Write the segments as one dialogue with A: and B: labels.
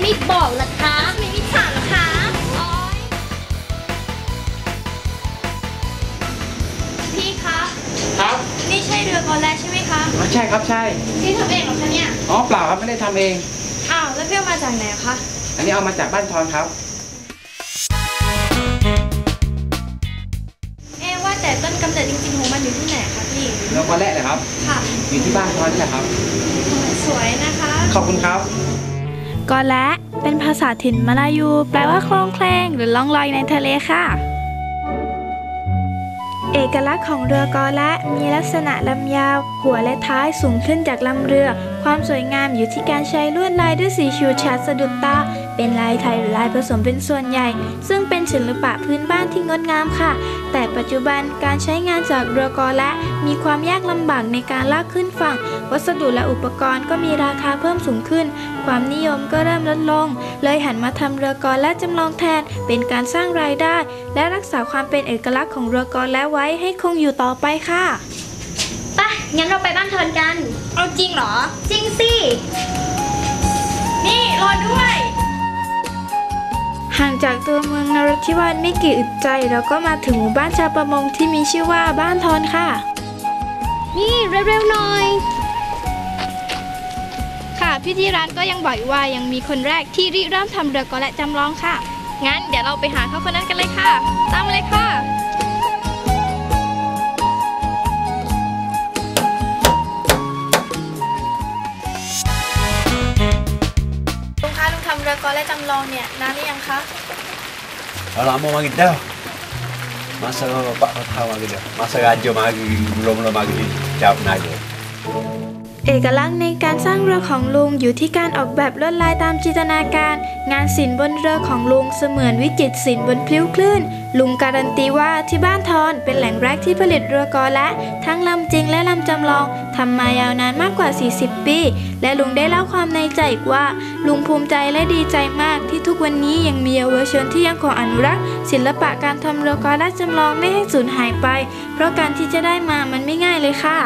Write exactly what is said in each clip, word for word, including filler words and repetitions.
A: ไม่บอกล่ะคะไม่ไม่ถามล่ะคะพี่คะ
B: ครับ
A: นี่ใช่เรือกอแลใช่ไหมคะ
B: อ๋อใช่ครับใช่
A: พี่ทำเองหรอคะเนี่ย
B: อ๋อเปล่าครับไม่ได้ทำเอง
A: อ้าวแล้วพี่เอามาจากไหนคะ
B: อันนี้เอามาจากบ้านทอนครับ
A: เอ๊ว่าแต่ต้นกำเนิดจริงๆของมันอยู่ที่ไหนคะพี่
B: เรือกอแลเลยครับ
A: ค่ะ
B: อยู่ที่บ้านทอนนี่แหละครับ
A: สวยนะคะ
B: ขอบคุณครับ
C: กอแลเป็นภาษาถิ่นมาลายูแปลว่าโคลงเคลงหรือล่องลอยในทะเลค่ะเอกลักษณ์ของเรือกอแลมีลักษณะลำยาวหัวและท้ายสูงขึ้นจากลำเรือความสวยงามอยู่ที่การใช้ลวดลายด้วยสีชูชัดสะดุดตาเป็นลายไทยหรือลายผสมเป็นส่วนใหญ่ซึ่งเป็นศิลปะพื้นบ้านที่งดงามค่ะแต่ปัจจุบันการใช้งานจากเรือกอแลมีความยากลำบากในการลากขึ้นฝั่งวัสดุและอุปกรณ์ก็มีราคาเพิ่มสูงขึ้นความนิยมก็เริ่มลดลงเลยหันมาทำเรือกอแลจำลองแทนเป็นการสร้างรายได้และรักษาความเป็นเอกลักษณ์ของเรือกอแลไว้ให้คงอยู่ต่อไปค่ะ
A: ไปงั้นเราไปบ้านทอนกันเอาจริงเหรอจริงสินี่รอด้วย
C: ห่างจากตัวเมืองนราธิวาสไม่กี่อึดใจเราก็มาถึงหมู่บ้านชาวประมงที่มีชื่อว่าบ้านทอนค่ะ
A: นี่เร็วๆหน่อย
C: ค่ะพี่ที่ร้านก็ยังบอกว่ายังมีคนแรกที่ริเริ่มทำเรือกอแลจำลองค่ะงั้นเดี๋ยวเราไปหาเขาคนนั้นกันเลยค่ะตามมาเลยค่ะลุงคะลุงทำเรือกอแลจำลองเนี่ยนานหรือยังคะ
D: lama mari dah. Masa bapak kau tahu mari dah. Masa raja mari belum-belum mari jawab naga.
C: เอกลักษณ์ในการสร้างเรือของลุงอยู่ที่การออกแบบลวดลายตามจินตนาการงานศิลป์บนเรือของลุงเสมือนวิจิตรศิลป์บนพลิ้วคลื่นลุงการันตีว่าที่บ้านทอนเป็นแหล่งแรกที่ผลิตเรือกอแลทั้งลำจริงและลำจำลองทำมายาวนานมากกว่าสี่สิบปีและลุงได้เล่าความในใจอีกว่าลุงภูมิใจและดีใจมากที่ทุกวันนี้ยังมีเยาวชนที่ยังคงอนุรักษ์ศิลปะการทำเรือกอแลจำลองไม่ให้สูญหายไปเพราะการที่จะได้มามันไม่ง่ายเลยค่ะ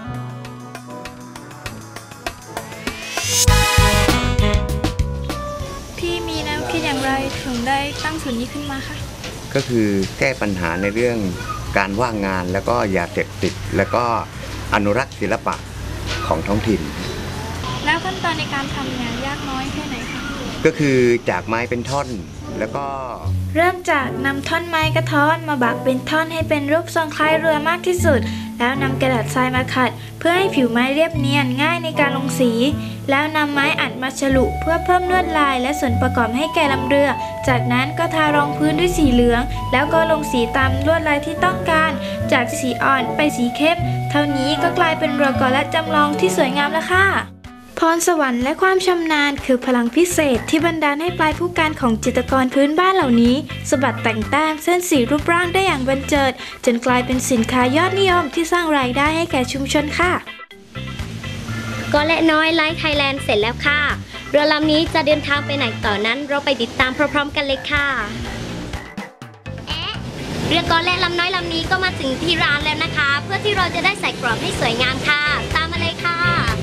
C: พี่มีแนวคิดอย่างไรถึงได้ตั้งศูนย์นี้ขึ้นมาคะ
E: ก็คือแก้ปัญหาในเรื่องการว่างงานแล้วก็ยาเสพติดแล้วก็อนุรักษ์ศิลปะของท้องถิ่น
C: แล้วขั้นตอนในการทำงานยากน้อยแค่ไหนคะ
E: ก็คือจากไม้เป็นท่อนแล้วก็
C: เริ่มจากนำท่อนไม้กระท้อนมาบักเป็นท่อนให้เป็นรูปทรงคล้ายเรือมากที่สุดแล้วนำกระดาษทรายมาขัดเพื่อให้ผิวไม้เรียบเนียนง่ายในการลงสีแล้วนำไม้อัดมาฉลุเพื่อเพิ่มลวดลายและส่วนประกอบให้แก่ลำเรือจากนั้นก็ทารองพื้นด้วยสีเหลืองแล้วก็ลงสีตามลวดลายที่ต้องการจากสีอ่อนไปสีเข้มเท่านี้ก็กลายเป็นเรือกอแลจำลองที่สวยงามแล้วค่ะพรสวรรค์และความชำนาญคือพลังพิเศษที่บันดาลให้ปลายผู้การของจิตรกรพื้นบ้านเหล่านี้สะบัดแต่งแต้มเส้นสีรูปร่างได้อย่างบันเจิดจนกลายเป็นสินค้ายอดนิยมที่สร้างรายได้ให้แก่ชุมชนค่ะ
A: กอแลน้อยไลฟ์ไทยแลนด์เสร็จแล้วค่ะเรือลำนี้จะเดินทางไปไหนต่อนั้นเราไปติดตามพร้อมๆกันเลยค่ะเอ๊ะเรือกอแลลำน้อยลำนี้ก็มาถึงที่ร้านแล้วนะคะเพื่อที่เราจะได้ใส่กรอบให้สวยงามค่ะตามมาเลยค่ะ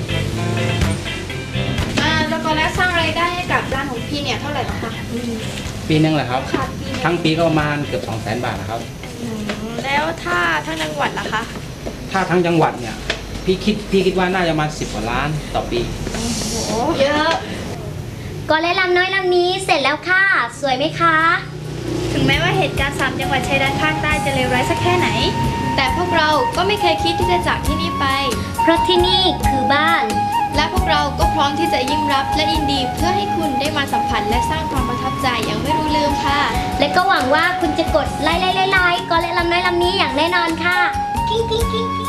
C: เรือกอแลสร้างรายได้ให้กับร้านของพี่เนี่ยเท่าไหร่คะ
B: ปีนึงเหรอครับทั้งปีก็ประมาณเกือบสองแสนบาทนะครับ
C: แล้วถ้าทั้งจังหวัดล่ะคะ
B: ถ้าทั้งจังหวัดเนี่ยพี่คิดพี่คิดว่าน่าจะมาสิบกว่าล้านต่อปี
C: โอ้โหเยอะ
A: กอแลลำน้อยลำนี้เสร็จแล้วค่ะสวยไหมคะ
C: ถึงแม้ว่าเหตุการณ์สามจังหวัดชายแดนภาคใต้จะเลวร้ายสักแค่ไหนแต่พวกเราก็ไม่เคยคิดที่จะจากที่นี่ไป
A: เพราะที่นี่คือบ้าน
C: และพวกเราก็พร้อมที่จะยิ้มรับและยินดีเพื่อให้คุณได้มาสัมผัสและสร้างความประทับใจอย่างไม่รู้ลืมค่ะ
A: และก็หวังว่าคุณจะกดไลค์ไลค์ไลค์กอแลลำน้อยลำนี้อย่างแน่นอนค่ะกิ้งกิ้งกิ้ง